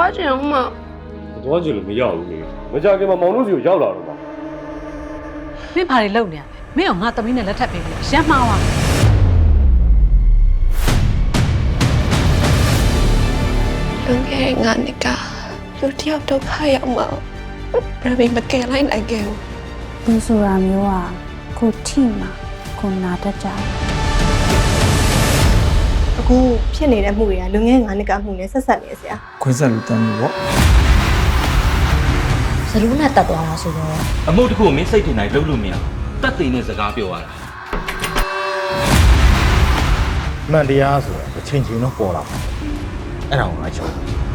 သွားချင်အောင်မသွားချင်လို့မရဘူးလေမကြခင်မှာမောင်တို့စီကိုရောက်လာတော့ပါမင်းဘာတွေလုပ်နေရလဲမင်းကငါသမီးနဲ့လက်ထပ်ပေးပြီးရမ်းမှားသွားလွန်ခဲ့ငါနှစ်ကလူတယောက်ဒုက္ခရောက်မှာဘယ်မကယ်လိုက်နိုင်ခဲ့ဘူးလူဆိုတာမျိုးอ่ะကိုထိမှာကိုနာတတ်ကြတယ်အခုဖြစ်နေတဲ့မှုတွေကလူငယ်ငါးနှစ်ကမှုနဲ့ဆက်ဆက်နေဆရာခွင့်ဆက်လူတန်းလို့ပေါ့စလူးနဲ့တက်သွားတာဆိုတော့အမှုတစ်ခုကိုမင်းစိတ်ထင်တိုင်းလုပ်လို့မရတက်သိနဲ့စကားပြောရတာမှန်တရားဆိုတာတစ်ချိန်ချိန်တော့ပေါ်လာမှာအဲ့ဒါကိုငါချော